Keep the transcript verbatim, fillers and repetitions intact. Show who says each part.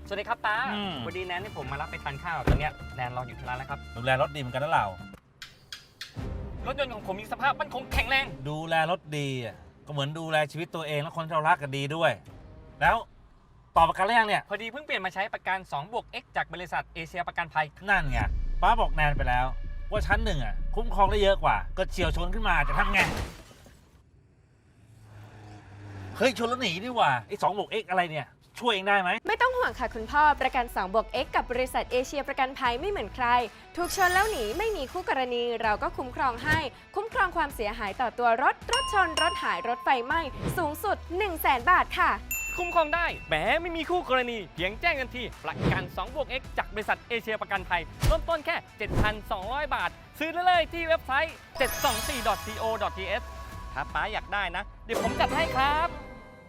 Speaker 1: สวัสดีครับตา
Speaker 2: อืม
Speaker 1: วันดีแนนที่ผมมารับไปทานข้าวตอนเนี้ยแนนรออยู่ที่ร้านแล้วครับ
Speaker 2: ดูแลรถดีเหมือนกันนะเรา
Speaker 1: รถยนต์ของผมมีสภาพมั่นคงแข็งแรง
Speaker 2: ดูแลรถดีอ่ะก็เหมือนดูแลชีวิตตัวเองและคนที่เรารักกันดีด้วย แล้วต่อประกันหรือยังเนี่ย
Speaker 1: พอดีเพิ่งเปลี่ยนมาใช้ประกันสองบวก X จากบริษัทเอเชียประกันภัย
Speaker 2: นั่นไงป้าบอกแนนไปแล้ว ว่าชั้นหนึ่งอ่ะคุ้มครองได้เยอะกว่า ก็เฉียวชนขึ้นมาจะทำไงเฮ้ยชนแล้วหนีดีกว่าไอ้สองบวกเอ็กอะไรเนี่ยช่วยเองได้ไหม
Speaker 3: ไม่ต้องห่วงค่ะคุณพ่อประกันสองบวก X กับบริษัทเอเชียประกันภัยไม่เหมือนใคร ถูกชนแล้วหนีไม่มีคู่กรณี เราก็คุ้มครองให้ คุ้มครองความเสียหายต่อตัวรถ รถชน รถหายรถไฟไหม้สูงสุด หนึ่งแสน บาทค่ะ
Speaker 1: คุ้มครองได้แหมไม่มีคู่กรณี เพียงแจ้งกันทีประกันสองบวก X จากบริษัทเอเชียประกันภัยเริ่มต้นแค่ เจ็ดพันสองร้อย บาท ซื้อได้เลยที่เว็บไซต์ เจ็ดสองสี่ ดอท ซี โอ ดอท ที เอส ถ้าป้าอยากได้นะ เดี๋ยวผมจัดให้ครับ